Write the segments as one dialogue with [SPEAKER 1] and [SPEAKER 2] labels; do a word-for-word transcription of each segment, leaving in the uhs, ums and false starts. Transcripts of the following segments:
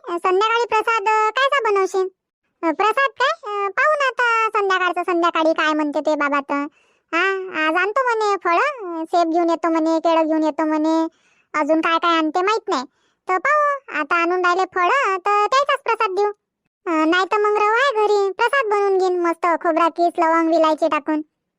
[SPEAKER 1] आहे. संध्याकाळी प्रसाद अं, कायचा बनवशील? अं, प्रसाद काय अं, पाहू ना आता संध्याकाळचं. संध्याकाळी काय म्हणते ते बाबा तर. हा, आज आणतो म्हणे फळं, सेब घेऊन येतो म्हणे, केळं घेऊन येतो म्हणे, अजून काय काय आणते माहित नाही. तर पाहू आता आणून राहिले फळं तर त्याचाच प्रसाद देऊ. नाही तर मग रवा आहे घरी, प्रसाद बनवून घेईन मस्त खोबरा किस लवंग विलायची टाकून.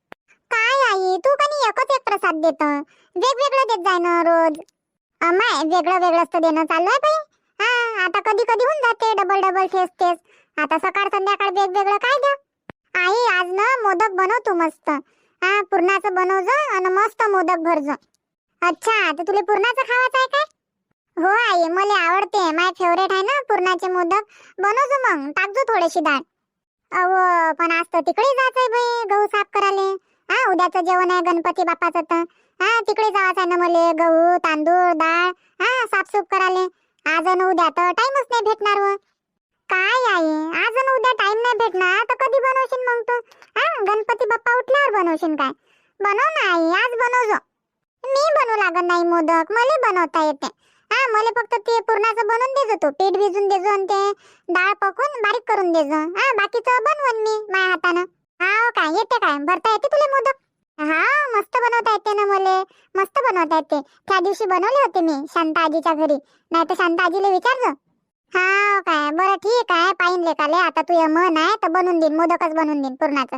[SPEAKER 1] काय आई तू कधी एकच एक प्रसाद देत, वेगवेगळं देत जाय ना रोज. अमाय वेगळं वेगळंच तर देणं चालू आहे बाई. हा, आता कधी कधी होऊन जाते डबल डबल तेच तेच. आता सकाळ संध्याकाळ वेगवेगळं काय द्या. आई आज ना मोदक बनव तू मस्त. हा, पुरणाचं बनव जा आणि मस्त मोदक भर जा. अच्छा, तर तुला पुरणाचं खावायचं आहे काय? हो आई, मला आवडते, माय फेवरेट आहे ना पुरणाचे मोदक. बनवजो मग, टाकजो थोडीशी डाळ. अहो पण आज तर तिकडे जायचंय बाई गहू साफ करायला. हा, उद्याचं जेवण आहे गणपती बाप्पाचं तर. हा, तिकडे जायचं आहे ना मला, गहू तांदूळ डाळ हा साफसूफ करायला. आज आणि उद्या तर टाइमच नाही भेटणार. व काय आई, आज आणि उद्या टाइम नाही भेटणार तर कधी बनवशील मग तू? हा, गणपती बाप्पा उठल्यावर बनवशील काय? बनव ना आई, आज बनवजो. मी बनवू लागत नाही मोदक, मला बनवता येते. हा, मला फक्त ते पुरणाचं बनवून देजो तू, पीठ भिजून देजो आणि ते डाळ पकवून बारीक करून देजो. हा, बाकीचं बनवून मी माझ्या हातानं. हा काय येते काय, भरता येते तुला मोदक? हा, मस्त बनवता येते ना मला, मस्त बनवता येते. त्या दिवशी बनवले होते मी शांता आजीच्या घरी, नाही तर शांता आजीला विचारजो. हा काय, बरं ठीक आहे, पाहिन लेकाले. आता तू ये मन आहे तर बनवून देईन, मोदकच बनवून देईन पुरणाचं.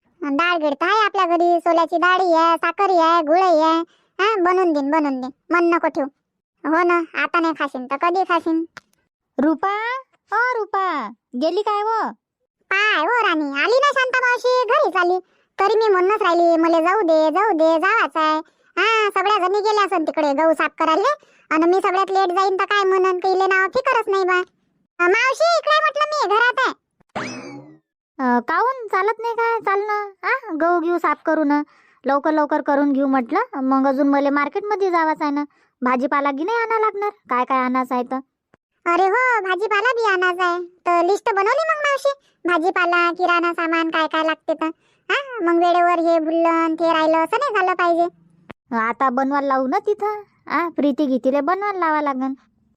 [SPEAKER 1] डाळ गिळत आहे आपल्या घरी, सोल्याची डाळी आहे, साखरी आहे, गुळही आहे. हा, बनवून देईन बनवून देईन, मन नको ठेवू. हो ना, आता नाही खाशीन तर कधी खाशीन?
[SPEAKER 2] रुपा, ओ रुपा, गेली काय व?
[SPEAKER 1] पाय हो राणी, आली ना शांता मावशी, घरीच आली. तरी मी म्हणूनच राहिली, मला जाऊ दे जाऊ दे, जावाच आहे. हा, सगळ्या जणी गेल्या असन तिकडे गहू साफ करायला, आणि मी सगळ्यात लेट जाईन तर काय म्हणन, काही नाव फिकरच नाही बा. अं, मावशी इकडे म्हटलं, मी घरात आहे.
[SPEAKER 2] अं, काहून चालत नाही काय? चाल ना. हा, गहू घेऊ साफ करू ना, लवकर लवकर करून घेऊ म्हटलं. मग अजून मला मार्केटमध्ये जावाच आहे ना, भाजीपाला की नाही आणा लागणार, काय काय आणायचं आहे तर.
[SPEAKER 1] अरे हो, भाजीपाला बी आणायचा आहे तर लिस्ट बनवली मग मावशी. भाजीपाला किराणा सामान काय काय लागते तर. हा, मग वेळेवर हे भुललं ते राहिलं असं नाही झालं पाहिजे.
[SPEAKER 2] आता बनवायला लावू ना तिथं. हा, प्रीती गीतीले बनवायला लावा लागन.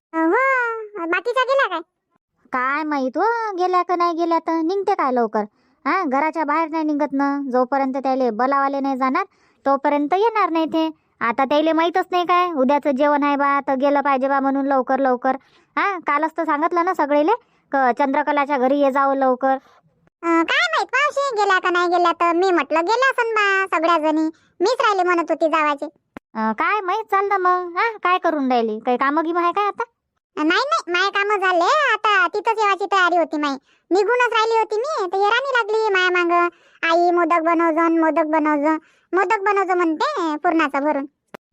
[SPEAKER 1] हो, बाकीच्या गेला काय?
[SPEAKER 2] काय माहित हो, गेल्या का नाही गेल्या तर. निघते काय लवकर? हा, घराच्या बाहेर नाही निघत ना, जोपर्यंत त्याले बोलावाले नाही जाणार तोपर्यंत येणार नाही ते. आता त्याले माहीतच नाही काय उद्याचं जेवण आहे बा, तर गेलं पाहिजे बा म्हणून लवकर लवकर. हा, कालच तर सांगितलं ना सगळेले क चंद्रकलाच्या घरी ये जावं लवकर.
[SPEAKER 1] अं, काय माहित मावशी गेल्या का नाही गेल्या तर. मी म्हटलं गेल्या असन बा सगळ्या जणी, मीच राहिले म्हणत होती जावाचे.
[SPEAKER 2] अं, काय माहीत. चालतं मग. हा, काय करून राहिली, काही कामं गिमं आहे काय आता?
[SPEAKER 1] नाही नाही, माय काम झाले आता, तिथंच येवाची तयारी होती माई. निघूनच राहिली होती मी तर येराणी लागली माया माग. आई मोदक बनवजो मोदक बनवजो, मोदक बनवजो म्हणते पुरणाचं भरून.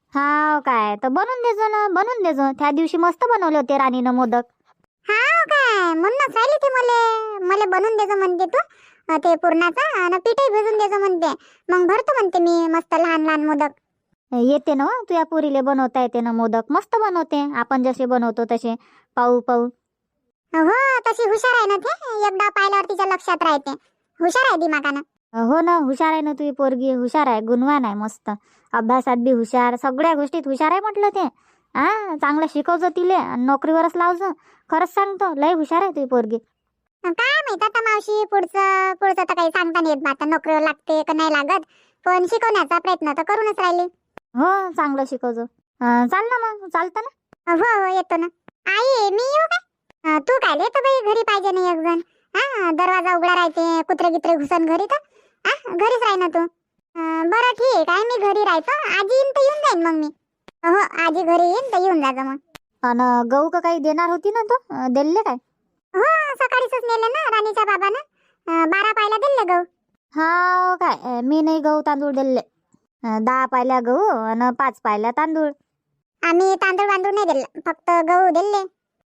[SPEAKER 2] हा काय, तर बनवून देजो ना, बनवून देजो. त्या दिवशी मस्त बनवले होते राणीनं मोदक.
[SPEAKER 1] हा काय, म्हणूनच राहिली ती मले मला बनवून देजो म्हणते तू अं, ते पुरणाचं, आणि पीठही भिजून देजो म्हणते. मग भरतो म्हणते मी मस्त लहान लहान मोदक.
[SPEAKER 2] येते ना हो, तुझ्या पुरीले बनवता येते ना मोदक, मस्त बनवते. आपण जसे बनवतो तसे पाहू पाहू.
[SPEAKER 1] हो, तशी हुशार आहे ना ते, एकदा पाहिल्यावर तिच्या लक्षात राहते. हुशार आहे दिमागानं.
[SPEAKER 2] हो ना, हुशार आहे ना तुझी पोरगी, हुशार आहे, गुणवान आहे मस्त. अभ्यासात बी हुशार, सगळ्या गोष्टीत हुशार आहे म्हटलं ते. हा, चांगलं शिकवजो तिले आणि नोकरीवरच लावजो. खरंच सांगतो, लय हुशार आहे तुझी पोरगी.
[SPEAKER 1] काय माहित आता मावशी, पुढचं पुढचं तर काही सांगता नाही येत बा. आता नोकरीवर लागते का नाही लागत, पण शिकवण्याचा प्रयत्न तर करूनच राहिले.
[SPEAKER 2] हो, चांगलं शिकवजो. अं, चाल ना मग, चालतं ना.
[SPEAKER 1] हो हो, येतो ना. आई मी येऊ काय? अं, तू काय येतो बाई, घरी पाहिजे नाही एक जण. हा, दरवाजा उघडा राहते, कुत्रे गित्रे घुसन घरी तर. हा, घरीच राही ना तू. अं, बरं ठीक आहे, मी घरी राहतो. आजी येईन तर येऊन जाईन मग मी. हो, आजी घरी येईन तर येऊन जायचं मग.
[SPEAKER 2] आणि गहू का काही देणार होती ना, तो अं, दिले काय?
[SPEAKER 1] हो, सकाळीच नेले ना राणीच्या बाबानं. अं, बारा पायला दिले गहू.
[SPEAKER 2] हा काय, अं, मी नाही गहू तांदूळ दिले. अं, दहा पायल्या गहू आणि पाच पायल्या तांदूळ.
[SPEAKER 1] आम्ही तांदूळ वांदूळ नाही दिले, फक्त गहू दिले.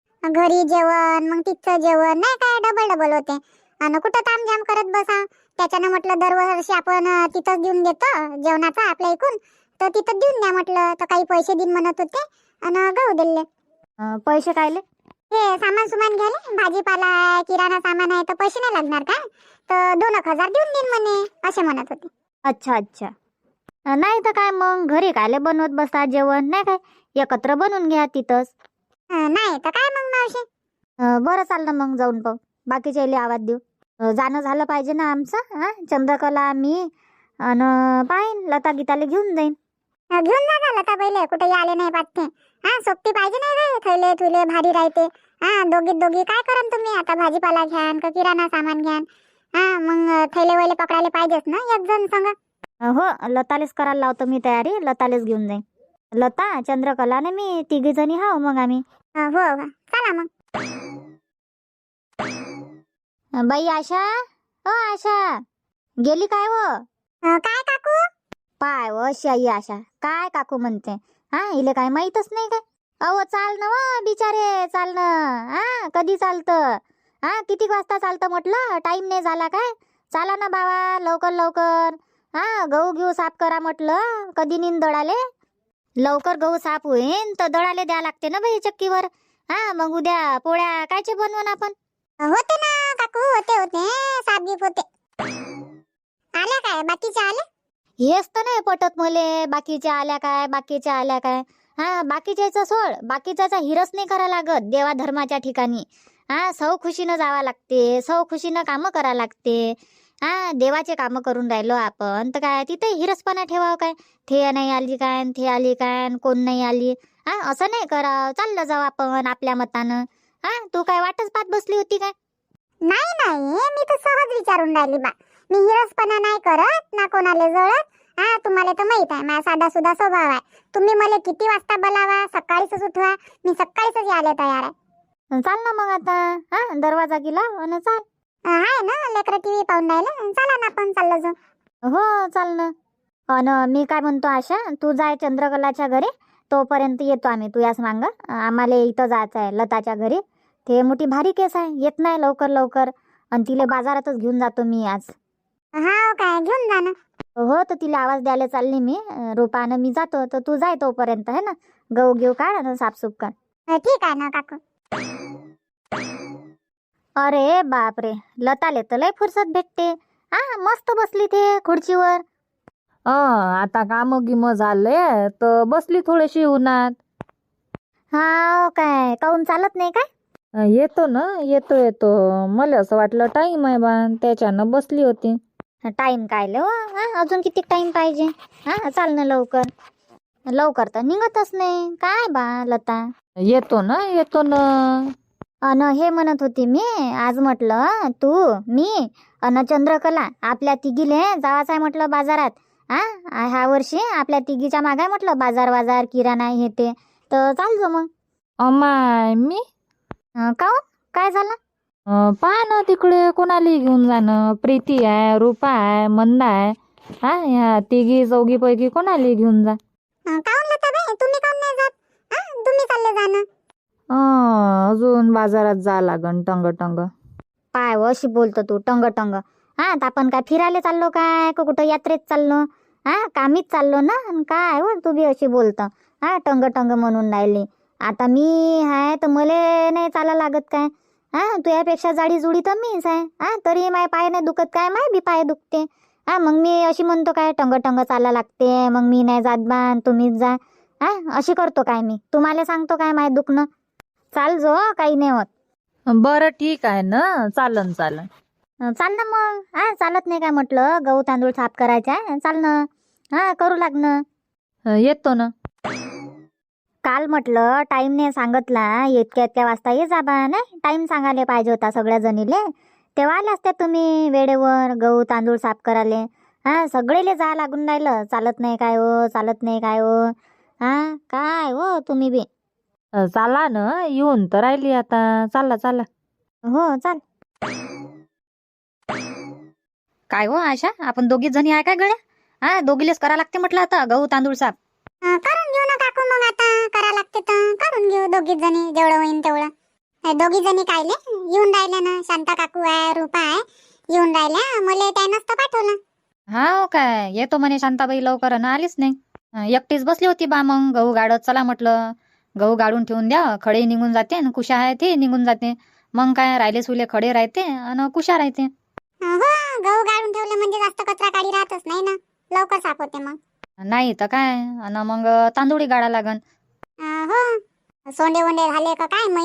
[SPEAKER 1] घरी जेवण मग तिथचं जेवण नाही काय, डबल डबल होते. आणि कुठं तामझाम करत बसा. त्याच्यानं म्हटलं दरवर्षी आपण अं, तिथंच देऊन देतो जेवणाचा आपल्या इकून, तर तिथं देऊन द्या म्हटलं. तर काही पैसे देईन म्हणत होते आणि गहू दिले.
[SPEAKER 2] अं, पैसे कायले?
[SPEAKER 1] हे सामान सुमान घ्याले, भाजीपाला आहे, किराणा सामान आहे, तर पैसे नाही लागणार काय, तर दोन एक हजार देऊन देईन म्हणे, असे म्हणत होते.
[SPEAKER 2] अच्छा अच्छा. अं, नाही तर काय मग, घरी कायले बनवत बसता जेवण, नाही काय एकत्र बनवून घ्या तिथंच.
[SPEAKER 1] अं, नाही तर काय मग मावशी.
[SPEAKER 2] अं, बरं चाललं मग जाऊन पाहू. बाकीच्या इले आवाज देऊ. अं, जाणं झालं पाहिजे ना आमचं. हा चंद्रकला मी अन पाहीन लता गीताले घेऊन जाईन.
[SPEAKER 1] अं, घेऊन जा झालं का पहिले कुठे आले नाही पाहते. हा सोबती पाहिजे नाही रे, थैले थुले भारी राहते. हा दोघी दोघी काय करन तुम्ही आता, भाजीपाला घ्यान का किराणा सामान घ्यान. हा मग थैले वैले पकडायला पाहिजेच ना एक जण संग.
[SPEAKER 2] अं, हो लतालेच करायला लावतो मी तयारी. लतालेच घेऊन जाईन. लता चंद्रकला ने मी तिघी जणी हाव मग आम्ही.
[SPEAKER 1] अं, हो हो चला मग.
[SPEAKER 2] अं, बाई आशा, ओ आशा गेली काय व?
[SPEAKER 1] अं, काय काकू?
[SPEAKER 2] पाय व शाई आशा काय काकू म्हणते. हा इले काय माहीतच नाही काय. अहो चाल ना व बिचारे, चाल ना. हा कधी चालतं? हा किती वाजता चालतं म्हटलं? टाइम नाही झाला काय? चाला ना बाबा लवकर लवकर. हा गहू घेऊ साफ करा म्हटलं. कधी नीन दळाले? लवकर गहू साफ होईन तर दळाले द्या लागते ना बाई चक्कीवर. हा मग उद्या पोळ्या कायचे बनवून आपण?
[SPEAKER 1] होते ना काकू, होते होते साबगीप होते. आल्या काय बाकीच्या आल्या?
[SPEAKER 2] हेच तर नाही पटत मले. बाकीच्या आल्या काय, बाकीच्या आल्या काय. हा बाकीच्याचा सोड, बाकीच्याचा हिरस नाही करा लागत देवा धर्माच्या ठिकाणी. हा सौ खुशीनं जावा लागते, सौ खुशीनं कामं करा लागते. हा देवाचे कामं करून राहिलो आपण तर काय तिथे हिरसपणा ठेवावं काय? थे नाही आली काय, थे आली काय, कोण नाही आली. हा असं नाही करावं. चाललं जाऊ आपण आपल्या मतानं. हा तू काय वाटच पाहत बसली होती काय?
[SPEAKER 1] नाही नाही, मी तर सहज विचारून राहिली बा. मी हिरसपणा नाही करत ना कोणाला जळत. हा तुम्हाला तर माहित आहे माझा साधा सुद्धा स्वभाव आहे. तुम्ही मला किती वाजता बोलावा, सकाळीच उठवा, मी सकाळीच यायला तयार आहे.
[SPEAKER 2] चाल ना मग आता. हा दरवाजा गेला आणि चाल.
[SPEAKER 1] अं, आहे ना लेकरं टीव्ही पाहून राहिले. चला ना आपण चाललो जाऊ.
[SPEAKER 2] हो चाल ना. अन मी काय म्हणतो आशा, तू जाय चंद्रकलाच्या घरी. तोपर्यंत येतो आम्ही तुझ्याच मांग. आम्हाला इथं जायचं आहे लताच्या घरी. ते मोठी भारी केस आहे, येत नाही लवकर लवकर. आणि तिला बाजारातच घेऊन जातो मी आज.
[SPEAKER 1] हा काय घेऊन जा ना.
[SPEAKER 2] हो तर तिला आवाज द्यायला चालली मी. अं, रूपानं मी जातो तर तू जाय तोपर्यंत है ना. गहू घेऊ काढ आणि साफसूफ कर.
[SPEAKER 1] अं, ठीक आहे ना काकू.
[SPEAKER 2] अरे बापरे, लताले तर लय फुरसत भेटते. हा मस्त बसली ते खुर्चीवर.
[SPEAKER 3] अ आता काम गिम झाले तर बसली थोडीशी उन्हात.
[SPEAKER 2] हा काय काऊन चालत नाही काय?
[SPEAKER 3] अ, येतो ना, येतो येतो. मला असं वाटलं टाईम आहे बा, त्याच्यानं बसली होती.
[SPEAKER 2] टाइम काय लो. हा अजून किती टाइम पाहिजे. हा चाल ना लवकर. लवकर तर निघतच नाही काय बा लता.
[SPEAKER 3] येतो ना, येतो ना.
[SPEAKER 2] अन हे म्हणत होती मी आज म्हटलं तू मी अन चंद्रकला आपल्या तिघीले जावाच आहे म्हटलं बाजारात. हा ह्या वर्षी आपल्या तिघीच्या मागाय म्हटलं बाजार बाजार किराणा हे ते. तर चाल जो मग.
[SPEAKER 3] अमाय मी
[SPEAKER 2] अं, काऊन काय झालं?
[SPEAKER 3] अ, पहा ना तिकडे कोणाला घेऊन जाणं. प्रीती आहे, रूपा आहे, मंदा आहे. हा ह्या तिघी चौघी पैकी कोणाला घेऊन जा.
[SPEAKER 1] अं, काहून लता बाई तुम्ही काहून नाही जात? हा तुम्ही चालले जा ना.
[SPEAKER 3] अ, अजून बाजारात जा लागन टंग टंग.
[SPEAKER 2] पाय व अशी बोलतो तू टंग टंग. हा तर आपण काय फिरायला चाललो काय का कुठं यात्रेत चाललो? हा कामीच चाललो ना. अन काय हो तू बी अशी बोलतं. हा टंग टंग म्हणून राहिली. आता मी हाय तर मले नाही चाला लागत काय? हा तुझ्यापेक्षा जाडी जुडी तर मीच आहे. हा तरी माय पाय नाही दुखत काय? माय बी पाय दुखते. हा मग मी अशी म्हणतो काय टंग टंग चाला लागते, मग मी नाही जात बा तुम्हीच जा. हा अशी करतो काय मी? तुम्हाला सांगतो काय माय दुखणं? चाल जो काही नाही होत.
[SPEAKER 3] बरं ठीक आहे ना, चालन चालन.
[SPEAKER 2] अं, चाल ना मग. हा चालत नाही काय म्हटलं गहू तांदूळ साफ करायचा आहे चाल ना. हा करू लागणं.
[SPEAKER 3] अ, येतो ना.
[SPEAKER 2] काल म्हटलं टाइम नाही सांगितला, इतक्या इतक्या वाजता ये जा बा. नाही टाइम सांगायला पाहिजे होता सगळ्या जणीले. तेव्हा आले असते तुम्ही वेळेवर गहू तांदूळ साफ करायला. हा सगळेले जा लागून राहिलं. चालत नाही काय हो, चालत नाही काय हो. हा काय हो तुम्ही बी.
[SPEAKER 3] अ, चाला ना, येऊन तर राहिली आता. चाला चाला.
[SPEAKER 2] हो चाल.
[SPEAKER 4] काय हो आशा, आपण दोघीच जणी आहे काय गड्या? हा दोघीलेच करा लागते म्हटलं आता गहू तांदूळ साफ.
[SPEAKER 1] अं, करून घेऊ ना काकू मग आता करा लागते तर करून घेऊ दोघीच जणी जेवढं होईन तेवढं. अं, दोघी जणी कायले येऊन राहिल्या ना. शांता काकू आहे, रूपा आहे, येऊन राहिल्या. मला त्यानंच तर पाठवलं.
[SPEAKER 4] हा हो काय येतो म्हणे शांताबाई लवकर ना आलीच नाही. अं, एकटीच बसली होती बा. मग गहू गाडत चला म्हटलं. गहू गाडून ठेवून द्या, खडे निघून जाते आणि कुशा आहे ते निघून जाते. मग काय राहिले सुले खडे राहते आणि कुशा राहते.
[SPEAKER 1] अं, हो गहू गाळून ठेवले म्हणजे जास्त कचरा काढी राहतच नाही ना, लवकर साफ होते मग.
[SPEAKER 4] नाही तर काय. आणि मग तांदूळी गाडा लागन.
[SPEAKER 1] अं, हो सोंडे वोंडे झाले का काय माहित,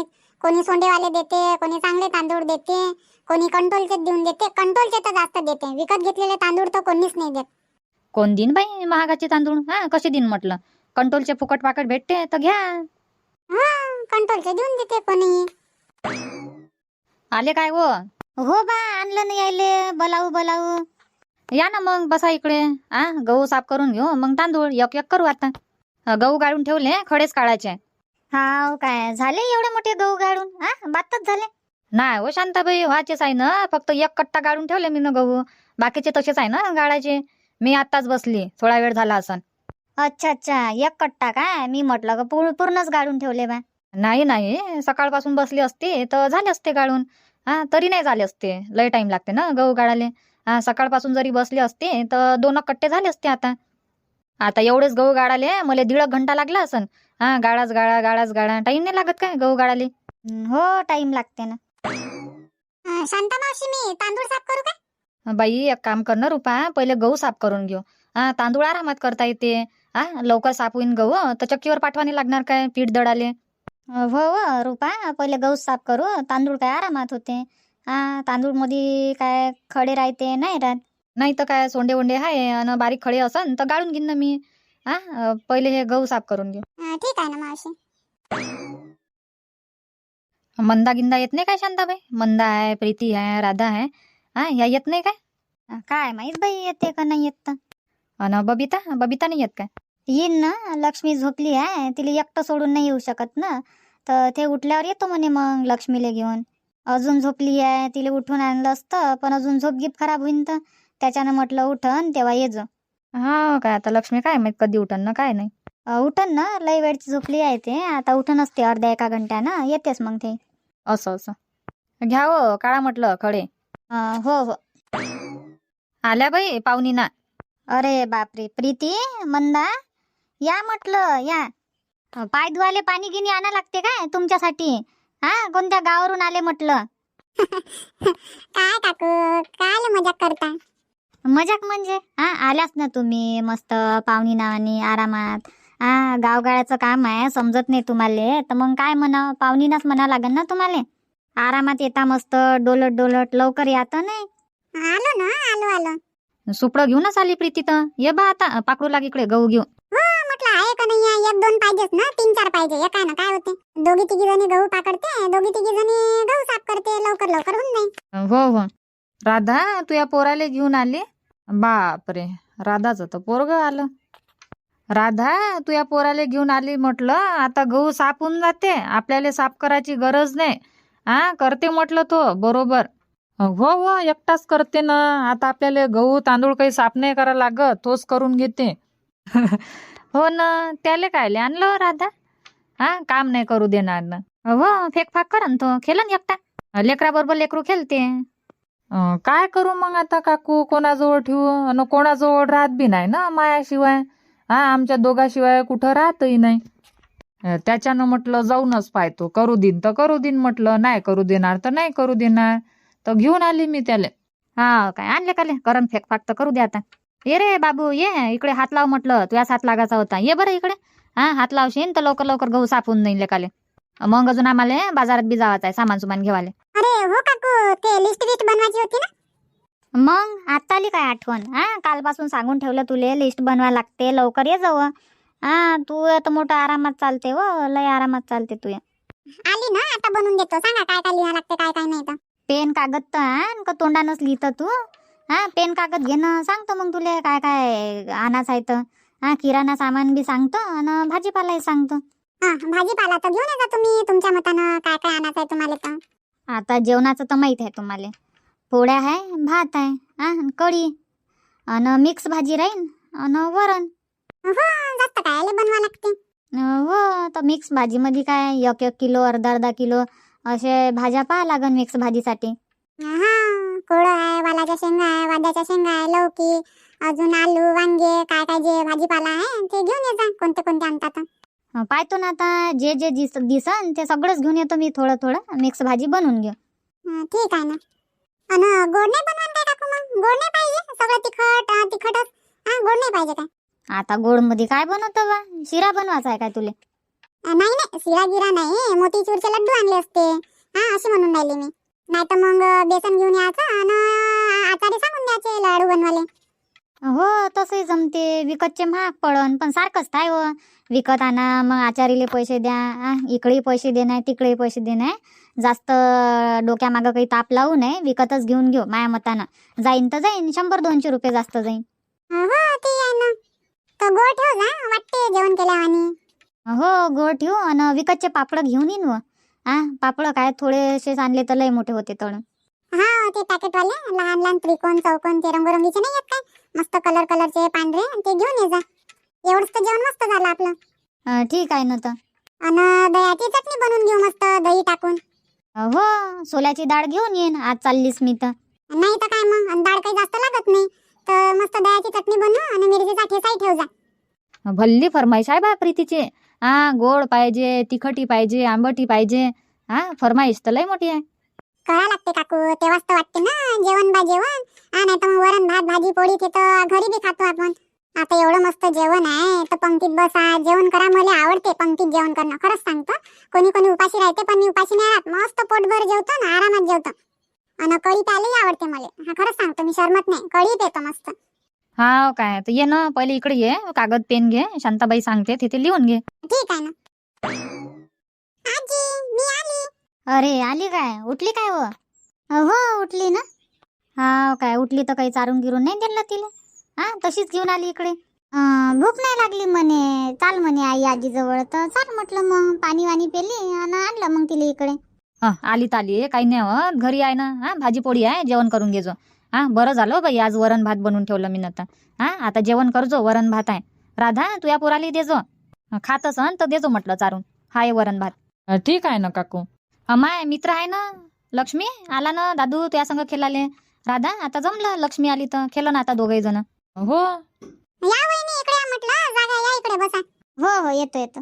[SPEAKER 1] कोणी सोंडेवाले देते, कोणी चांगले तांदूळ देते, कोणी कंट्रोलचे देऊन देते. कंट्रोलचे तर जास्त देते, विकत घेतलेले तांदूळ तर कोणीच नाही देत.
[SPEAKER 4] कोण दिन बाई महागाचे तांदूळ? हा कसे दिन म्हटलं? कंट्रोलचे फुकट पाकट भेटते तर घ्या.
[SPEAKER 1] हा कंट्रोलचे देऊन देते कोणी.
[SPEAKER 4] आले काय हो?
[SPEAKER 2] हो बा, आणलं नाही यायले. बोलावू बोलावू.
[SPEAKER 4] या ना मग, बसा इकडे. आ गहू साफ करून घेऊ, मग तांदूळ एक एक करू आता. अ, गहू गाळून ठेवले, खडेच काढायचे.
[SPEAKER 2] हाव काय, झाले एवढे मोठे गहू गाळून? हा बातच झाले.
[SPEAKER 4] नाही हो शांताबाई, व्हायचेच आहे ना. फक्त एक कट्टा गाळून ठेवले मी ना गहू. बाकीचे तसेच आहे ना गाळायचे. मी आत्ताच बसली, थोडा वेळ झाला असन.
[SPEAKER 2] अच्छा अच्छा, एक कट्टा काय? मी म्हटलं का पूर्ण पूर्णच गाळून ठेवले बा.
[SPEAKER 4] नाही नाही, सकाळपासून बसली असते तर झाले असते गाळून. हा तरी नाही झाले असते, लय टाइम लागते ना गहू गाळाले. हा सकाळपासून जरी बसले असते तर दोन कट्टे झाले असते. आता आता एवढेच गहू गाळाले मला दीड एक घंटा लागला असन. हा गाळाच गाळा गाळाच गाळा, टाइम नाही लागत काय गहू गाळाले?
[SPEAKER 2] हं, हो टाइम लागते ना.
[SPEAKER 1] अं, शांता मावशी, मी तांदूळ साफ करू का?
[SPEAKER 4] बाई एक काम कर ना रुपा, पहिले गहू साफ करून घेऊ. हा तांदूळ आरामात करता येते. हा लवकर साफ होईन गहू तर चक्कीवर पाठवाने लागणार काय पीठ दळाले?
[SPEAKER 2] हो हो रुपा, पहिले गहू साफ करू. तांदूळ काय आरामात होते. हा तांदूळ मध्ये काय खडे राहते नाही राहत.
[SPEAKER 4] नाही तर काय सोंडे वोंडे आहे आणि बारीक खडे असन तर गाळून घेईन ना मी. हा अ, पहिले हे गहू साफ करून घेऊ.
[SPEAKER 1] अं, ठीक आहे ना मावशी.
[SPEAKER 4] मंदा गिंदा येत नाही काय शांताबाई? मंदा आहे, प्रीती आहे, राधा आहे. हा या येत नाही काय?
[SPEAKER 2] काय माहित बाई येते का नाही येत तर.
[SPEAKER 4] अन बबिता बबिता नाही येत काय?
[SPEAKER 2] येईन ना, लक्ष्मी झोपली आहे, तिला एकटं सोडून नाही येऊ शकत ना. तर ते उठल्यावर येतो म्हणे मग लक्ष्मीला घेऊन. अजून झोपली आहे, तिला उठून आणलं असतं पण अजून झोप गिप खराब होईन तर त्याच्यानं म्हटलं उठन तेव्हा ये जो.
[SPEAKER 4] हा काय आता लक्ष्मी काय माहित कधी उठन ना काय नाही.
[SPEAKER 2] अ, उठन ना, लई वेळची झोपली आहे ते. आता उठन असते अर्ध्या एका घंट्यानं येतेच मग ते.
[SPEAKER 4] असं असं घ्या हो, काळा म्हटलं खडे.
[SPEAKER 2] अ, हो हो.
[SPEAKER 4] आल्या बाई पाहुणीना.
[SPEAKER 2] अरे बापरे, प्रीती मंदा या म्हटलं या. अ, पाय धुवाले पाणी गिनी आणा लागते काय तुमच्यासाठी? हा कोणत्या गावावरून आले म्हटलं?
[SPEAKER 1] काय काकू, काय मजाक करता?
[SPEAKER 2] मजाक म्हणजे हा आल्याच ना तुम्ही मस्त पाहुणी नावानी आरामात. हा गावगाळ्याचं काम आहे, समजत नाही तुम्हाला तर मग काय म्हणा, पाहुणीनाच म्हणा लागेल ना तुम्हाला. आरामात येता मस्त डोलट डोलट, लवकर यात नाही.
[SPEAKER 1] आलो ना, आलो आलो.
[SPEAKER 4] सुपडं घेऊनच आली प्रीती तर. ये बा आता पाकडू लाग इकडे गहू घेऊ.
[SPEAKER 1] हो म्हटलं आहे का नाही आहे, एक दोन पाहिजेच ना, तीन चार पाहिजे. एक आहे ना, काय होते, दोघी तिघी जणी गहू पाकडते, दोघी तिघी जणी गहू साफ करते, लवकर लवकर होऊन जाईल.
[SPEAKER 4] हो हो. राधा तू या पोराले घेऊन आली? बापरे, राधाचं तर पोरग आलं. राधा तू या पोराले घेऊन आली म्हटलं. आता गहू साफ होऊन जाते, आपल्याला साफ करायची गरज नाही. हा करते म्हटलं तो बरोबर. हो हो एकटाच करते ना. आता आपल्याला गहू तांदूळ काही साफ नाही करा लागत, तोच करून घेते. हो ना, त्याले कायले आणलं राधा? हा काम नाही करू देणार ना. हो फेकफाक करन तो, खेळन एकटा. लेकराबरोबर लेकरू खेळते. अं, काय करू मग आता काकू, कोणाजवळ ठेवू? अन कोणाजवळ राहत बी नाही ना मायाशिवाय. हा आमच्या दोघाशिवाय कुठं राहतही नाही. अं, त्याच्यानं म्हटलं जाऊनच पाहतो, करू देईन तर करू देईन म्हटलं, नाही करू देणार तर नाही करू देणार. तर घेऊन आली मी त्याले. हा काय आणले काले, करन फेकफाक तर करू दे आता. ये रे बाबू ये इकडे, हात लाव म्हटलं, तुझ्याच हात लागायचा होता. ये बरं इकडे. हा हात लावशील तर लवकर लवकर गहू साफ होऊन जाईल लेकाले. मग अजून आम्हाला बाजारात बी जावायचं आहे सामान सुमान घेवाले.
[SPEAKER 1] अरे हो काकू, ते लिस्ट लिस्ट बनवायची होती ना.
[SPEAKER 2] मग आता आली काय आठवण? हा कालपासून सांगून ठेवलं तुले लिस्ट बनवा लागते, लवकर ये जावं. हा तू आता मोठा आरामात चालते व, लय आरामात चालते तू.
[SPEAKER 1] आली ना, आता बनवून देतो. सांगा काय काय लिहा लागते, काय काय नाही तर.
[SPEAKER 2] पेन कागद तर आण का तोंडानच लिहितं तू? हा पेन कागद घेणं सांगतो मग तुले काय काय आणायचं आहे तर. हा किराणा सामान बी सांगतो आणि भाजीपालाही सांगतो.
[SPEAKER 1] हा भाजीपाला तर घेऊन येजा तुम्ही, तुमच्या मतानं काय काय आणायचं आहे तुम्हाला तर.
[SPEAKER 2] आता जेवणाचं तर माहीत आहे तुम्हाला. पोळ्या आहे, भात आहे, हा अन कढी आणि मिक्स भाजी राहीन आणि वरण.
[SPEAKER 1] हो जास्त काय बनवा लागते.
[SPEAKER 2] हो तर मिक्स भाजीमध्ये काय एक एक किलो अर्धा अर्धा किलो असे भाज्या पाहा लागन मिक्स भाजीसाठी.
[SPEAKER 1] हा कोळं आहे, वालाच्या शेंगा आहे, वाद्याच्या शेंगा आहे, लौकी, अजून आलू, वांगे, काय काय जे भाजीपाला आहे ते घेऊन ये जा, कोणते कोणते आणतात.
[SPEAKER 2] अं, पाहतो ना आता जे जे दिस दिसन ते सगळंच घेऊन येतो मी, थोडं थोडं मिक्स भाजी बनवून घेऊ.
[SPEAKER 1] हं, ठीक आहे ना. अन गोड नाही बनवान काय टाकू मग? गोड नाही पाहिजे, सगळं तिखट अं, तिखटच. हा गोड नाही पाहिजे काय?
[SPEAKER 2] आता गोड मध्ये काय बनवतो बा? शिरा बनवायचा आहे काय तुले?
[SPEAKER 1] अं, नाही नाही शिरा गिरा नाही, मोतीचूरचे लड्डू आणले असते. हा अशी म्हणून राहिली मी. नाही तर मग बेसन घेऊन यायचं आणि आचारी सांगून द्यायचे लाडू बनवाले.
[SPEAKER 2] हो तसंही जमते. विकतचे महाग पडन पण सारखंच काय हो. विकत आणा मग आचारीले पैसे द्या. आ, इकडेही पैसे दे नाही तिकडेही पैसे दे नाही. जास्त डोक्यामागं काही ताप लावू नये. विकतच घेऊन घेऊ माया मतानं. जाईन तर जाईन शंभर दोनशे रुपये जास्त जाईन.
[SPEAKER 1] हो ते आहे ना. तर गोड ठेव जा, वाटते जेवण केल्यावानी.
[SPEAKER 2] हो गोड ठेवू आणि विकतचे पापड घेऊन येईन व. हा पापड काय थोडेसे आणले तर लय मोठे होते तळून.
[SPEAKER 1] हा ते पॅकेटवाले लहान लहान त्रिकोण चौकोन ते रंगरंगीचे नाही येत काय, मस्त कलर कलरचे पांढरे, ते घेऊन ये जा. एवढंच तर जेवण मस्त झालं आपलं.
[SPEAKER 2] अं, ठीक आहे ना तर.
[SPEAKER 1] आणि दह्याची चटणी बनवून घेऊ मस्त दही टाकून.
[SPEAKER 2] हो सोल्याची डाळ घेऊन येईन. आज चाललीस मी तर.
[SPEAKER 1] नाही तर काय मग, आणि डाळ काही जास्त लागत नाही तर मस्त दह्याची चटणी बनव आणि मिरचीचा ठेचाही ठेव जा.
[SPEAKER 3] भल्ली फरमाईश आहे बा प्रीतीची. हा गोड पाहिजे, तिखटी पाहिजे, आंबटी पाहिजे. हा फरमाईश तर लय मोठी आहे.
[SPEAKER 1] करा लागते काकू, तेव्हाच तर वाटते ना जेवण बा जेवण. हा नाही तर मग वरण भात भाजी पोळी ते तर घरी बी खातो आपण. आता एवढं मस्त जेवण आहे तर पंक्तीत बसा जेवण करा. मला आवडते पंक्तीत जेवण करणं, खरंच सांगतो. कोणी कोणी उपाशी राहते पण मी उपाशी नाही राहत. मस्त पोटभर जेवतो ना आरामात जेवतो. आणि कढी प्यायलाही आवडते मला. हा खरंच सांगतो, मी शरमत नाही, कढी पितो मस्त.
[SPEAKER 3] हा काय तर ये ना पहिले इकडे ये. कागद पेन घे, शांताबाई सांगते तिथे लिहून घे.
[SPEAKER 1] ठीक आहे ना. आजी मी आली.
[SPEAKER 2] अरे आली काय? उठली काय हो? हो उठली ना. हा काय उठली तर काही चारून गिरून नाही दिलं तिला. हा तशीच घेऊन आली इकडे. अं, भूक नाही लागली म्हणे. चाल म्हणे आई आजी जवळ. तर चाल म्हटलं मग पाणी वाणी पेली आणि आणलं मग तिला इकडे.
[SPEAKER 3] हा आली ताली काही नाही होत. घरी आहे ना. हा भाजी पोळी आहे, जेवण करून घेजो. हा बरं झालं बाई आज वरण भात बनवून ठेवलं मी नंतर. हा आता जेवण करजो, वरण भात आहे. राधा तू या पोराली देजो. खात असन तर देजो म्हटलं चारून. हाय वरण भात.
[SPEAKER 4] ठीक आहे ना काकू.
[SPEAKER 3] माय मित्र आहे ना लक्ष्मी आला ना. दादू तुया संग खेळाले. राधा आता जमलं, लक्ष्मी आली तर खेळ ना आता दोघे जण.
[SPEAKER 4] हो
[SPEAKER 1] या वहिनी इकडे या म्हटलं, जागा या इकडे बसा.
[SPEAKER 2] हो हो येतो येतो.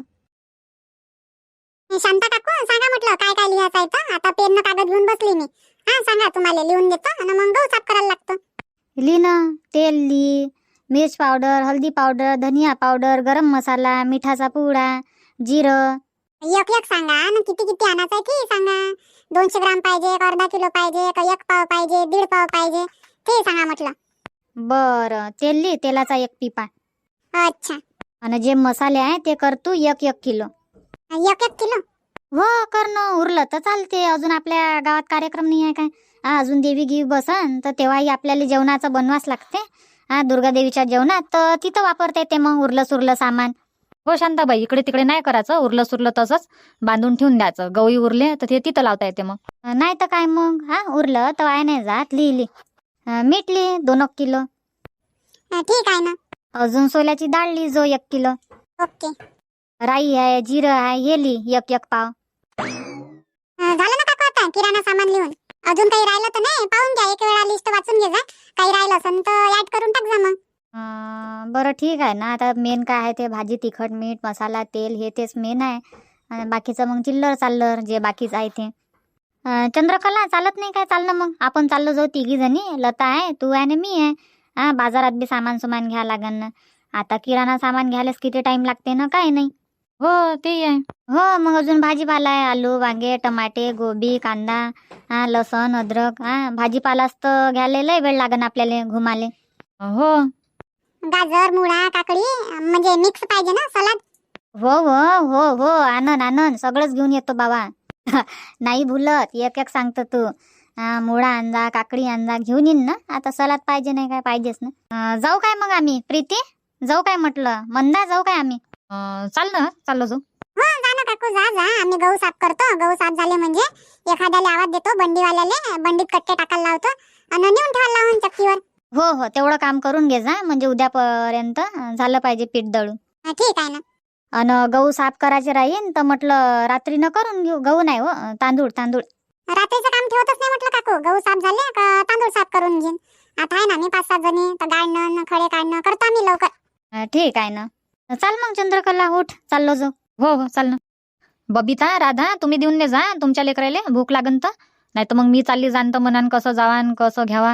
[SPEAKER 1] शांता काकू सांगा म्हटलं काय काय लिहायचं आहे तर. आता पेन कागद घेऊन बसली मी. हा सांगा, तुम्हाला लिहून देतो आणि मग गहू साफ करायला लागतो.
[SPEAKER 2] ली ना. तेल ली, मिर्च पावडर, हल्दी पावडर, धनिया पावडर, गरम मसाला, मिठाचा पुडा, जिरं.
[SPEAKER 1] एक एक सांगा ना, किती किती आणायचं आहे ते सांगा. दोनशे ग्राम पाहिजे का अर्धा किलो पाहिजे का एक पाव पाहिजे दीड पाव पाहिजे ते सांगा म्हटलं.
[SPEAKER 2] बरं तेल ली, तेलाचा एक पिपा.
[SPEAKER 1] अच्छा.
[SPEAKER 2] आणि जे मसाले आहे ते कर तू एक एक किलो.
[SPEAKER 1] एक एक किलो.
[SPEAKER 2] हो कर ना. उरलं तर चालते. अजून आपल्या गावात कार्यक्रम नाही आहे काय. हा अजून देवी गिवी बसन तर तेव्हाही आपल्याला जेवणाचं बनवास लागते. हा दुर्गा देवीच्या जेवणात तर तिथं वापरता येते मग उरलं सुरलं सामान.
[SPEAKER 3] हो शांताबाई इकडे तिकडे नाही करायचं. उरलं सुरलं तसंच बांधून ठेवून द्यायचं. गवई उरले तर ते तिथं लावता येते मग.
[SPEAKER 2] नाही तर काय मग. हा उरलं तर वाया नाही जात. लिहिली मीठ ली दोन एक किलो.
[SPEAKER 1] ठीक आहे ना.
[SPEAKER 2] अजून सोल्याची डाळ ली जो एक किलो.
[SPEAKER 1] ओके.
[SPEAKER 2] राई आहे, जिरं आहे, हे ली एक एक पाव.
[SPEAKER 1] झालं ना काकू आता किराणा सामान लिहून. अजून काही राहिलं तर नाही पाहून घ्या. एक वेळा लिस्ट वाचून घे जा. काही राहिलं असेल तर ऍड करून टाक जा मग.
[SPEAKER 2] अं, बरं ठीक आहे ना. आता मेन काय आहे ते भाजी, तिखट, मीठ, मसाला, तेल हे तेच मेन आहे. आणि बाकीचं मग चिल्लर चाललर जे बाकीचं आहे ते. अं, चंद्रकला चालत नाही काय? चाल ना मग आपण चाललो जाऊ तिघी जणी. लता आहे, तू आहे आणि मी आहे. हा बाजारात बी सामान सुमान घ्या लागन ना. आता किराणा सामान घ्यायलाच किती टाइम लागते ना. काय नाही.
[SPEAKER 3] हो ते आहे.
[SPEAKER 2] हो मग अजून भाजीपाला आहे. आलू वांगे टमाटे गोबी कांदा हा लसण अद्रक. हा भाजीपालाच तर घ्यायला लय वेळ लागन आपल्याला घुमाले.
[SPEAKER 3] हो
[SPEAKER 1] गाजर मुळा काकडी म्हणजे मिक्स पाहिजे ना सलाद.
[SPEAKER 2] हो हो हो हो आनंद आनंद सगळंच घेऊन येतो बाबा. नाही भुलत. एक एक सांगतो तू. हा मुळा आणजा काकडी आणजा घेऊन येईन ना. आता सलाद पाहिजे नाही काय पाहिजेच ना. अं, जाऊ काय मग आम्ही प्रीती? जाऊ काय म्हटलं मंदा? जाऊ काय आम्ही?
[SPEAKER 3] अं, चाल ना चाललो जाऊ.
[SPEAKER 1] हो जा ना काकू जा जा. आम्ही गहू साफ करतो. गहू साफ झाले म्हणजे एखाद्याला आवाज देतो बंडीवाल्याले. बंडीत कट्टे टाकायला लावतो आणि नेऊन ठेवायला लावून चक्कीवर.
[SPEAKER 2] हो हो तेवढं काम करून घे जा. म्हणजे उद्यापर्यंत झालं पाहिजे पीठ दळून.
[SPEAKER 1] ठीक आहे ना.
[SPEAKER 2] आणि गहू साफ करायचे राहीन तर म्हटलं रात्रीनं करून घेऊ. गहू नाही हो तांदूळ तांदूळ.
[SPEAKER 1] रात्रीचं काम ठेवतच नाही म्हटलं काकू. गहू साफ झाले का तांदूळ साफ करून घेईन. आता आहे ना मी पाच सात जणी तर गाळणं खडे काढणं करतो आम्ही लवकर.
[SPEAKER 2] अं, ठीक आहे ना. चाल मग चंद्रकला उठ चाललो जाऊ.
[SPEAKER 3] हो हो चाल ना. बबिता राधा तुम्ही देऊन दे जा तुमच्या लेकराले. भूक लागन तर. नाही तर मग मी चालली जाणतं म्हणान कसं जावान कसं घ्यावा.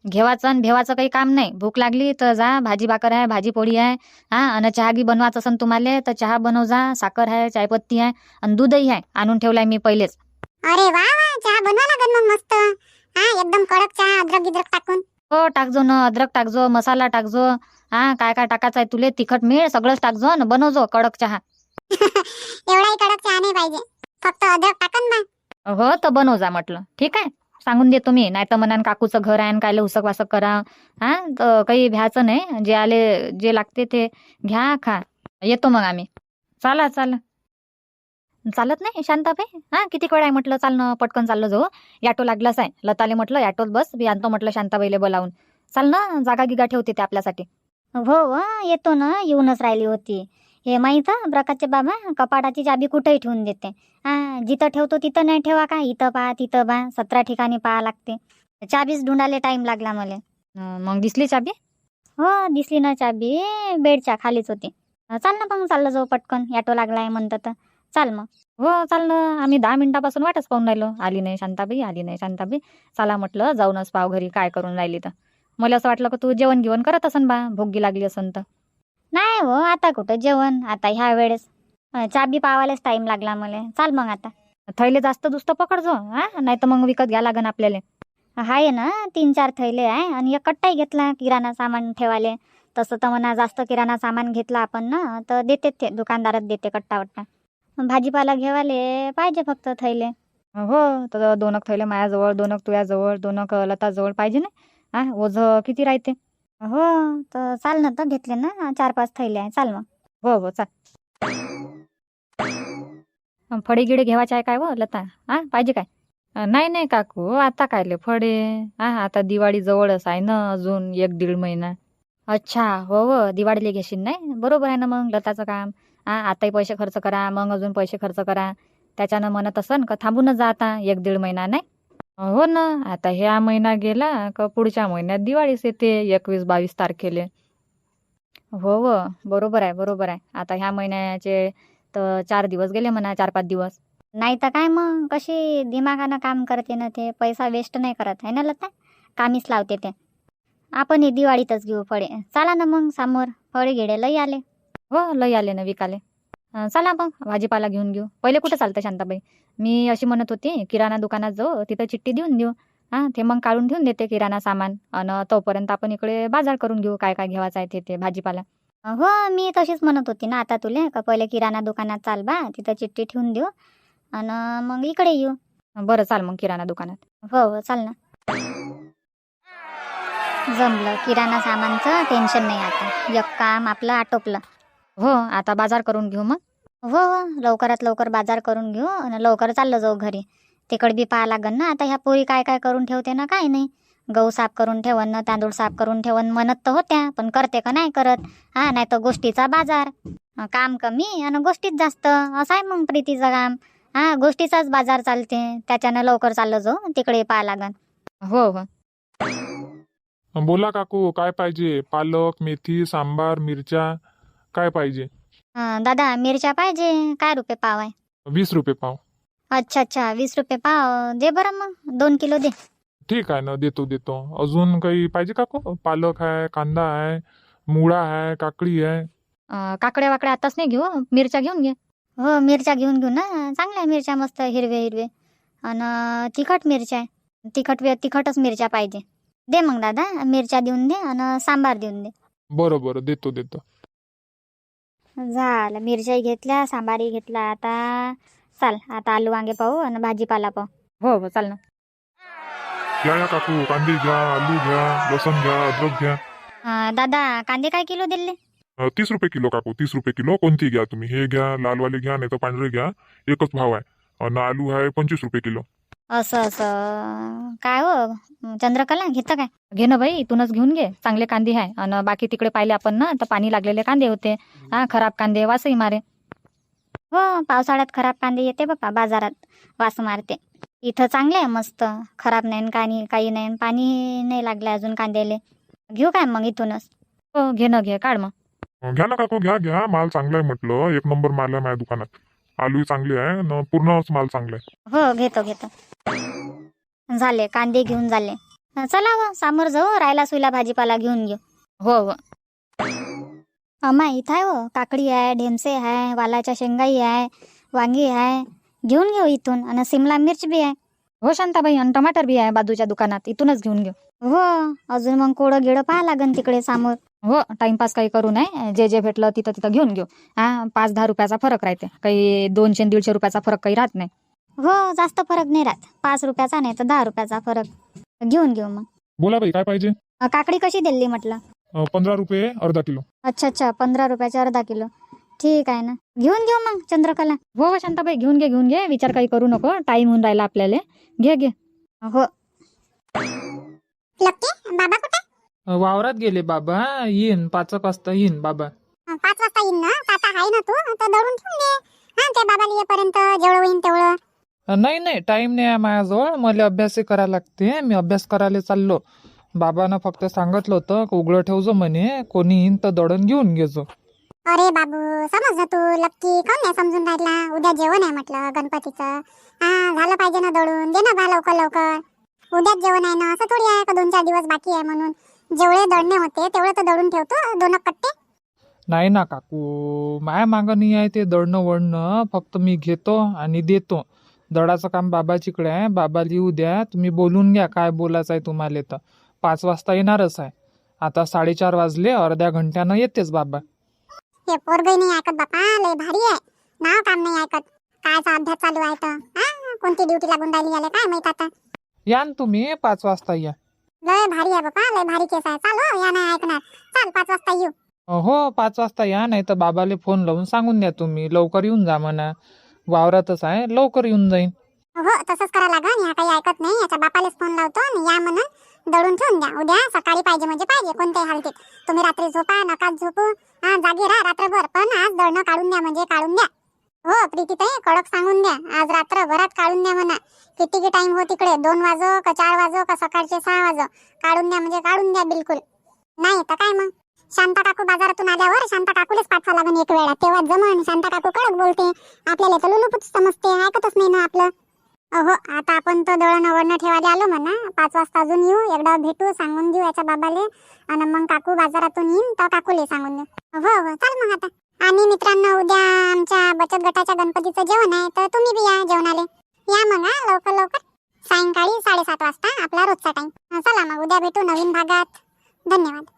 [SPEAKER 3] घेवाचं आणि भेवाचं काही काम नाही. भूक लागली तर जा, भाजी भाकर आहे, भाजी पोळी आहे, हा आणि चहा गी बनवायचं असन तुम्हाला तर चहा बनव जा. साखर आहे, चायपत्ती आहे आणि दूधही आहे, आणून ठेवलाय मी पहिलेच.
[SPEAKER 1] अरे वा वा, चहा बनवा लागेल मग मस्त. हा एकदम कडक चहा, अद्रक गिद्रक टाकून.
[SPEAKER 3] हो टाकजो ना, अद्रक टाकजो, मसाला टाकजो, हा काय काय टाकायचं आहे तुले, तिखट मीठ सगळंच टाकजो ना, बनवजो कडक चहा.
[SPEAKER 1] एवढाही कडक चहा नाही पाहिजे, फक्त अद्रक टाकन बा.
[SPEAKER 3] हो तर बनव जा म्हटलं. ठीक आहे, सांगून देतो मी. नाही तर म्हणान काकूचं घर आहे आणि कायले उसक वासक करा. हा तर काही भ्याचं नाही, जे आले जे लागते ते घ्या खा. येतो मग आम्ही. चाला चाला. चालत नाही शांताबाई? हा किती वेळ आहे म्हटलं, चालणं पटकन चाललं जाऊ. ॲटो लागलाच आहे. लताले म्हटलं ॲटोत बस, मी आणतो म्हटलं शांताबाईले बोलावून. चाल ना, जागा गिगा ठेवते ते आपल्यासाठी.
[SPEAKER 2] हो हो येतो ना, येऊनच राहिली होती. हे माहीत प्रकाशचे बाबा कपाटाची चाबी कुठेही ठेवून देते. हा जिथं ठेवतो तिथं नाही ठेवा का, इथं पहा तिथं पहा, सतरा ठिकाणी पहा लागते. चाबीच ढूंढायला टाइम लागला मला.
[SPEAKER 3] अं, मग दिसली चाबी?
[SPEAKER 2] हो दिसली ना चाबी, बेडच्या खालीच होती. चाल ना मग चाललं जाऊ पटकन, ॲटो लागलाय म्हणतं तर चाल मग.
[SPEAKER 3] हो चालणं. आम्ही दहा मिनिटापासून वाटच पाहून राहिलो. आली नाही शांताबाई, आली नाही शांताबाई. चला म्हटलं जाऊनच पाव घरी काय करून राहिली तर. मला असं वाटलं का तू जेवण घेऊन करत असन बा, भोगी लागली असन तर.
[SPEAKER 2] नाही हो, आता कुठं जेवण, आता ह्या वेळेस अं, चाबी पावायलाच टाइम लागला मला. चाल मग आता.
[SPEAKER 3] थैले जास्त दुस्त पकडजो, हा नाही तर मग विकत घ्या लागन आपल्याला.
[SPEAKER 2] आहे ना तीन चार थैले आहे आणि एक कट्टाही घेतला किराणा सामान ठेवाले. तसं तर म्हणा जास्त किराणा सामान घेतला आपण ना तर देते ते, दुकानदारात देते कट्टा वट्टा. भाजीपाला घेवाले पाहिजे फक्त थैले.
[SPEAKER 3] हो तर दोन थैले माझ्याजवळ, दोन तुझ्याजवळ, दोन लताजवळ पाहिजे ना. हा ओझ किती राहते?
[SPEAKER 2] हो तर चाल ना, तर घेतले ना चार पाच थैले आहे, चाल मग.
[SPEAKER 3] हो हो चाल. फळे गिडे घेवायचे आहे काय व लता? हा पाहिजे काय? अं, नाही नाही काकू, आता कायले फळे? हा आता दिवाळी जवळच आहे ना, अजून एक दीड महिना. अच्छा हो हो, दिवाळीला घेशील नाही, बरोबर आहे ना मग लताचं काम. हा आताही पैसे खर्च करा, मग अजून पैसे खर्च करा. त्याच्यानं म्हणत असन का थांबूनच जा आता एक दीड महिना नाही. हो ना, आता ह्या महिना गेला का पुढच्या महिन्यात दिवाळीच येते, एकवीस बावीस तारखेले. हो हो बरोबर आहे बरोबर आहे. आता ह्या महिन्याचे तर चार दिवस गेले म्हणा, चार पाच दिवस.
[SPEAKER 2] नाही तर काय मग, कशी दिमागानं काम करते ना ते, पैसा वेस्ट नाही करत आहे ना लता, कामीच लावते ते. आपण हे दिवाळीतच घेऊ फळे. चला ना मग, समोर फळे गिडे लई आले.
[SPEAKER 3] हो लय आले ना विकाले. अं, चला मग भाजीपाला घेऊन घेऊ. पहिले कुठं चालतं शांताबाई? मी अशी म्हणत होती किराणा दुकानात जाऊ, तिथं चिठ्ठी देऊन देऊ. हा ते मग काढून ठेवून देते किराणा सामान, आणि तोपर्यंत आपण इकडे बाजार करून घेऊ, काय काय घेवायचं आहे ते ते भाजीपाला.
[SPEAKER 2] हो मी तशीच म्हणत होती ना आता तुले, का पहिले किराणा दुकानात चाल बा, तिथं चिठ्ठी ठेवून देऊ आणि मग इकडे येऊ.
[SPEAKER 3] बरं चाल मग किराणा दुकानात.
[SPEAKER 2] हो हो चाल ना. जमलं, किराणा सामानचं टेन्शन नाही आता, एक काम आपलं आटोपलं.
[SPEAKER 3] हो आता बाजार करून घेऊ मग.
[SPEAKER 2] हो हो लवकरात लवकर बाजार करून घेऊ आणि लवकर चाललं जाऊ घरी. तिकडे बी पाहा लागन ना आता, ह्या पोरी काय काय करून ठेवते ना काय नाही. गहू साफ करून ठेवन ना, तांदूळ साफ करून ठेवन म्हणत तर होत्या, पण करते का नाही करत. हा नाही तर गोष्टीचा बाजार, अं, काम कमी आणि गोष्टीत जास्त, असं आहे मग प्रीतीचं काम. हा गोष्टीचाच बाजार चालते, त्याच्यानं लवकर चाललं जाऊ, तिकडे पाहा लागन.
[SPEAKER 3] हो हो
[SPEAKER 5] बोला काकू, काय पाहिजे? पालक, मेथी, सांबार, मिरच्या काय पाहिजे?
[SPEAKER 2] अं, दादा मिरच्या पाहिजे, काय रुपये पाव आहे?
[SPEAKER 5] वीस रुपये पाव.
[SPEAKER 2] अच्छा अच्छा वीस रुपये पाव दे बरं, मग दोन किलो दे.
[SPEAKER 5] ठीक आहे ना, देतो देतो. अजून काही पाहिजे काकू? पालक आहे, कांदा आहे, मुळा आहे, काकडी आहे.
[SPEAKER 3] अं, काकड्या वाकड्या आताच नाही घेऊ, मिरच्या घेऊन घे.
[SPEAKER 2] हो मिरच्या घेऊन घेऊ ना, चांगल्या मिरच्या मस्त हिरवे हिरवे. आणि तिखट मिरच्या आहे, तिखट वे तिखटच मिरच्या पाहिजे. दे मग दादा, मिरच्या देऊन दे आणि सांबार देऊन दे.
[SPEAKER 5] बरं बरं देतो देतो.
[SPEAKER 2] झालं, मिरच्याही घेतल्या, सांबारही घेतला. आता चाल, आता आलू वांगे पाहू आणि भाजीपाला पाहू.
[SPEAKER 3] हो हो चाल ना.
[SPEAKER 5] घ्या या काकू, कांदे घ्या, आलू घ्या, लसण घ्या, अद्रक घ्या.
[SPEAKER 2] अं, दादा कांदे काय किलो दिले?
[SPEAKER 5] अ, तीस रुपये किलो काकू, तीस रुपये किलो. कोणती घ्या तुम्ही, हे घ्या, लालवाले घ्या, नाही तर पांढरे घ्या, एकच भाव आहे. आणि आलू आहे पंचवीस रुपये किलो.
[SPEAKER 2] असं असं काय हो चंद्रकला, घेतं काय?
[SPEAKER 3] घे ना बाई, इथूनच घेऊन घे, चांगले कांदे आहे. आणि बाकी तिकडे पाहिले आपण ना तर पाणी लागलेले कांदे होते. हा खराब कांदे वासही मारे.
[SPEAKER 2] हो पावसाळ्यात खराब कांदे येते बाबा बाजारात, वास मारते. इथं चांगले आहे मस्त, खराब नाही काही काही नाही, पाणी नाही लागलं अजून कांद्याले. घेऊ काय मग इथूनच?
[SPEAKER 3] हो घे ना घे, काढ मग.
[SPEAKER 5] अ, घ्या ना काकू, घ्या घ्या, माल चांगला आहे म्हटलं, एक नंबर माल आहे माझ्या दुकानात. आलूही चांगले आहे न, पूर्णच माल चांगला आहे.
[SPEAKER 2] हो घेतो घेतो. झाले कांदे घेऊन झाले. चला व समोर जाऊ, रायला सुईला भाजीपाला घेऊन घेऊ.
[SPEAKER 3] हो हो
[SPEAKER 2] अम्मा इथं आहे हो, काकडी आहे, ढेमसे आहे, वालाच्या शेंगाई आहे, वांगी आहे, घेऊन घेऊ इथून. आणि सिमला मिर्च बी आहे.
[SPEAKER 3] हो शांताबाई, आणि टमाटर बी आहे बाजूच्या दुकानात, इथूनच घेऊन घेऊ.
[SPEAKER 2] हो, अजून मग कोडं गिडं पाहा लागन तिकडे समोर.
[SPEAKER 3] हो, टाइमपास काही करू नये, जे जे भेटलं तिथं तिथं घेऊन घेऊ. हा, पाच दहा रुपयाचा फरक राहते, काही दोनशे दीडशे रुपयाचा फरक काही राहत नाही.
[SPEAKER 2] हो, जास्त फरक नाही राहत, पाच रुपयाचा नाही तर दहा रुपयाचा फरक. घेऊन घेऊ मग.
[SPEAKER 5] बोला बाई, काय पाहिजे?
[SPEAKER 2] अ, काकडी कशी दिली म्हटलं?
[SPEAKER 5] अं, पंधरा रुपये अर्धा किलो.
[SPEAKER 2] अच्छा अच्छा, पंधरा रुपयाचे अर्धा किलो. ठीक आहे ना, घेऊन घेऊ मग चंद्रकला.
[SPEAKER 3] हो हो शांताबाई, घेऊन घे घेऊन घे, विचार काही करू नको, टाइम होऊन राहिला आपल्याला. घे घे.
[SPEAKER 2] हो.
[SPEAKER 1] लक्की बाबा कुठे?
[SPEAKER 6] वावरात गेले बाबा, येईन पाच एक वाजता येईन बाबा.
[SPEAKER 1] अं, पाच वाजता येईन ना, तर आता आहे ना तू, तर दळून ठेवून दे. हा, ते बाबाला येईपर्यंत जेवढं होईन तेवढं.
[SPEAKER 6] नाही नाही, टाइम नाही आहे माझ्याजवळ, मला अभ्यास करायला लागते. मी अभ्यास करायला चाललो. बाबानं फक्त सांगितलं होतं की उघडं ठेवजो म्हणे, कोणी येईन तर दळण घेऊन घेजो.
[SPEAKER 1] अरे बाबू, समज ना तू, लक्की काऊन नाही समजून राहिला? उद्या जेवण आहे म्हटलं गणपतीचं. हा, झालं पाहिजे ना दळून, दे ना बा लवकर लवकर. उद्याच जेवण आहे ना, असं थोडी आहे का दोन चार दिवस बाकी आहे म्हणून. जेवढे दळणे होते तेवढे तर दळून ठेवतो, दोन कट्टे.
[SPEAKER 6] नाही ना काकू, माया मागं नाही आहे ते दळणं वळणं, फक्त मी घेतो आणि देतो. दळाचं काम बाबाचीकडे आहे, बाबाला येऊ द्या, तुम्ही बोलून घ्या काय बोलायचं आहे तुम्हाला. तर पाच वाजता येणारच आहे. आता साडेचार वाजले, अर्ध्या घंट्यानं येतेच बाबा.
[SPEAKER 1] हे पोरगही नाही ऐकत बापा, लय भारी आहे. नाव काम नाही ऐकत. कायचा अभ्यास चालू आहे तर हा, कोणती ड्युटी लागून राहिली याला काय माहित आता.
[SPEAKER 6] या न तुम्ही, पाच वाजता या.
[SPEAKER 1] लय भारी आहे बापा, लय भारी केस आहे. चाल हो, या नाही ऐकणार. चाल पाच वाजता येऊ.
[SPEAKER 6] हो, पाच वाजता या, नाही तर बाबाले फोन लावून सांगून द्या तुम्ही, लवकर येऊन जा म्हणा. वावरातच आहे, लवकर येऊन जाईन.
[SPEAKER 1] हो, तसंच करा लागन. या काही ऐकत नाही, याच्या बापालाच फोन लावतो आणि या म्हणून दळून ठेवून द्या. उद्या सकाळी पाहिजे म्हणजे पाहिजे, कोणत्याही हालतीत. तुम्ही रात्री झोपा, नकाच झोपू, हा जागी राहा रात्रभर, पण आज दळणं काढून द्या म्हणजे काढून द्या. हो प्रीतीताई, कडक सांगून द्या, आज रात्रभरात काढून द्या म्हणा. किती की टाइम हो तिकडे, दोन वाजो का चार वाजो का सकाळचे सहा वाजो, काढून द्या म्हणजे काढून द्या बिलकुल. नाही तर काय मग, शांता काकू बाजारातून आल्यावर शांता काकूलाच पाठवा लागन एक वेळा, तेव्हा जमन. शांता काकू कडक बोलते, आपल्याला तर लुलुपुच समजते, ऐकतच नाही ना आपलं. हो, आता आपण तर दळण वळण ठेवायला आलो म्हणा. पाच वाजता अजून येऊ, एकदा भेटू, सांगून देऊ याच्या बाबाले, आणि मग काकू बाजारातून येईन तर काकूले सांगून देऊ. हो हो, चाल मग आता. आणि मित्रांनो, उद्या आमच्या बचत गटाच्या गणपतीचं जेवण आहे, तर तुम्ही बी या जेवणाले. या मग हा, लवकर लवकर. सायंकाळी साडेसात वाजता आपला रोजचा टाइम. चला मग, उद्या भेटू नवीन भागात. धन्यवाद.